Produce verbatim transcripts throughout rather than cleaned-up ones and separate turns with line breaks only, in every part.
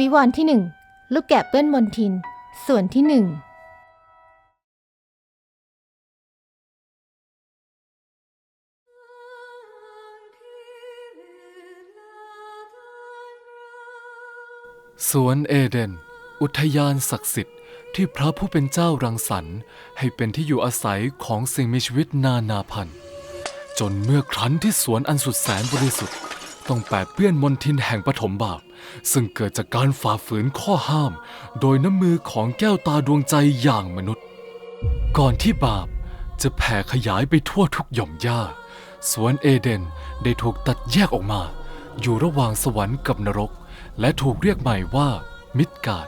วิวรณ์ที่หนึ่งลูกแกะเปื้อนมลทินส่วนที่หนึ่ง
สวนเอเดนอุทยานศักดิ์สิทธิ์ที่พระผู้เป็นเจ้ารังสรรค์ให้เป็นที่อยู่อาศัยของสิ่งมีชีวิตนานาพันธุ์จนเมื่อครั้นที่สวนอันสุดแสนบริสุทธิ์ต้องแปดเปื้อนมลทินแห่งปฐมบาปซึ่งเกิดจากการฝ่าฝืนข้อห้ามโดยน้ำมือของแก้วตาดวงใจอย่างมนุษย์ก่อนที่บาปจะแผ่ขยายไปทั่วทุกหย่อมหญ้าสวนเอเดนได้ถูกตัดแยกออกมาอยู่ระหว่างสวรรค์กับนรกและถูกเรียกใหม่ว่ามิดการ์ด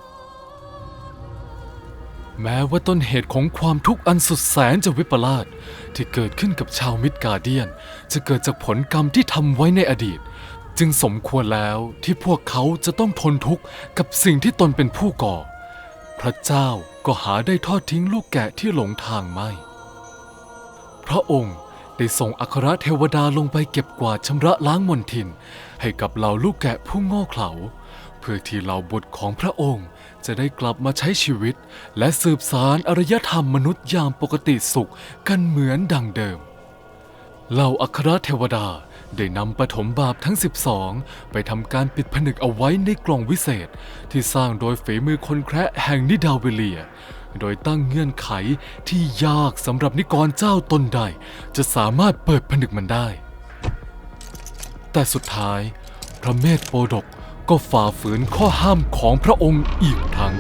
แม้ว่าต้นเหตุของความทุกข์อันสุดแสนจะวิปลาสที่เกิดขึ้นกับชาวมิดการ์เดียนจะเกิดจากผลกรรมที่ทำไว้ในอดีตจึงสมควรแล้วที่พวกเขาจะต้องทนทุกข์กับสิ่งที่ตนเป็นผู้ก่อพระเจ้าก็หาได้ทอดทิ้งลูกแกะที่หลงทางไม่พระองค์ได้ส่งอัครเทวดาลงไปเก็บกวาดชำระล้างมลทินให้กับเหล่าลูกแกะผู้โง่เขลาเพื่อที่เหล่าบุตรของพระองค์จะได้กลับมาใช้ชีวิตและสืบสานอารยธรรมมนุษย์อย่างปกติสุขกันเหมือนดังเดิมเหล่าอัครเทวดาได้นำปฐมบาปทั้งสิบสองไปทำการปิดผนึกเอาไว้ในกล่องวิเศษที่สร้างโดยฝีมือคนแคระแห่งนิดาเวเลียโดยตั้งเงื่อนไขที่ยากสำหรับนิกรเจ้าตนใดจะสามารถเปิดผนึกมันได้แต่สุดท้ายพระเมธโปดกก็ฝ่าฝืนข้อห้ามของพระองค์อีกครั้ง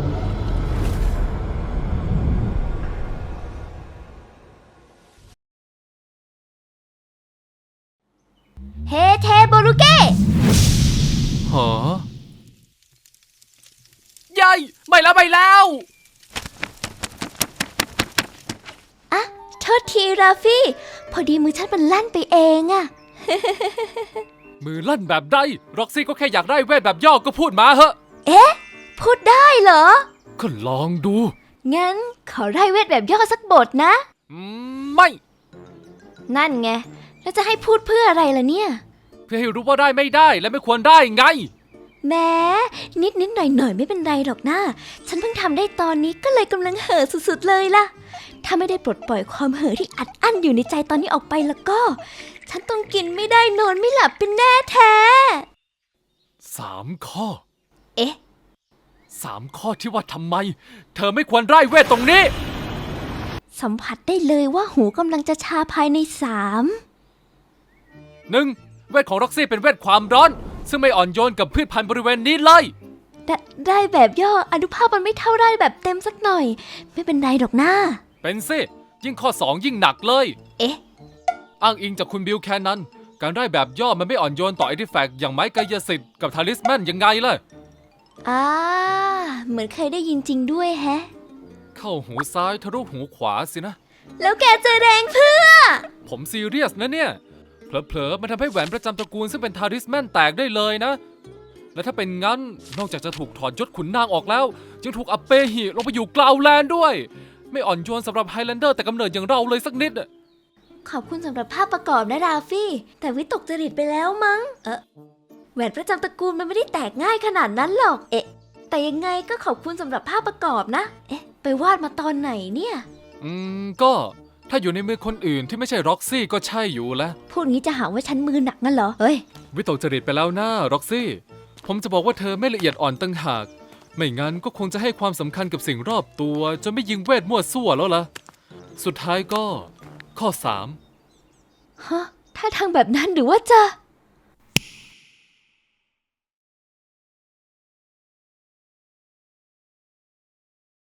เฮเทโบรุเก้
หายัยไม่แล้วไม่แล้ว
อะโทษทีราฟี่พอดีมือฉันมันลั่นไปเองอะ
มือลั่นแบบใดร็อกซี่ก็แค่อยากได้เวทแบบย่อก็พูดมาเหอะ
เอ๊ะพูดได้เหรอ
ก็ลองดู
งั้นขอไล่เวทแบบย่อสักบทนะ
อืมไม่
นั่นไงแล้วจะให้พูดเพื่ออะไรล่ะเนี่ย
เพื่อให้รู้ว่าได้ไม่ได้และไม่ควรได้ไง
แม้นิดนิดหน่อยหน่อยไม่เป็นไรหรอกนะฉันเพิ่งทำได้ตอนนี้ก็เลยกำลังเห่อสุดๆเลยล่ะถ้าไม่ได้ปลดปล่อยความเห่อที่อัดอั้นอยู่ในใจตอนนี้ออกไปแล้วก็ฉันต้องกินไม่ได้นอนไม่หลับเป็นแน่แท้
สามข้อ
เอ๊ะ
สามข้อที่ว่าทำไมเธอไม่ควรไล่เวทตรงนี้
สัมผัสได้เลยว่าหูกำลังจะชาภายในสาม
หนึ่งเวทของร็อกซี่เป็นเวทความร้อนซึ่งไม่อ่อนโยนกับพืชพันธุ์บริเวณนี้เลย
ได้ได้แบบย่ออนุภาพมันไม่เท่าได้แบบเต็มสักหน่อยไม่เป็นไรหรอกนะ
เป็นสิยิ่งข้อสองยิ่งหนักเลย
เอ๊ะ
อ้างอิงจากคุณบิลแคนนั้นการได้แบบย่อมันไม่อ่อนโยนต่ออาร์ติแฟกต์อย่างไม้กายสิทธิ์กับทาลิสแมนยังไงล่ะ
อ่าเหมือนเคยได้ยินจริงด้วยแฮะ
เข้าหูซ้ายทะลุหูขวาสินะ
แล้วแกจะแรงเพื่อ
ผมซีเรียสนะเนี่ยเผลอๆมันทำให้แหวนประจำตระกูลซึ่งเป็นทาริสแมนแตกได้เลยนะและถ้าเป็นงั้นนอกจากจะถูกถอดยศขุนนางออกแล้วยังถูกอัปเปหิลงไปอยู่กลาวแลนด์ด้วยไม่อ่อนโยนสำหรับไฮแลนเดอร์แต่กำเนิดอย่างเราเลยสักนิด
ขอบคุณสำหรับภาพประกอบนะราฟี่แต่วิตกจริตไปแล้วมั้งเออแหวนประจำตระกูลมันไม่ได้แตกง่ายขนาดนั้นหรอกเอ๊ะแต่ยังไงก็ขอบคุณสำหรับภาพประกอบนะเอ๊ะไปวาดมาตอนไหนเนี่ย
อืมก็ถ้าอยู่ในมือคนอื่นที่ไม่ใช่ร็อกซี่ก็ใช่อยู่แล้ว
พูดงี้จะหาว่าฉันมือหนักงั้นเหรอเฮ้ย
วิตกจริตไปแล้วนะร็อกซี่ผมจะบอกว่าเธอไม่ละเอียดอ่อนตั้งหากไม่งั้นก็คงจะให้ความสำคัญกับสิ่งรอบตัวจนไม่ยิงเวทมั่วซั่วแล้วล่ะสุดท้ายก็ข้อสาม
ฮะถ้าทางแบบนั้นหรือว่าจะ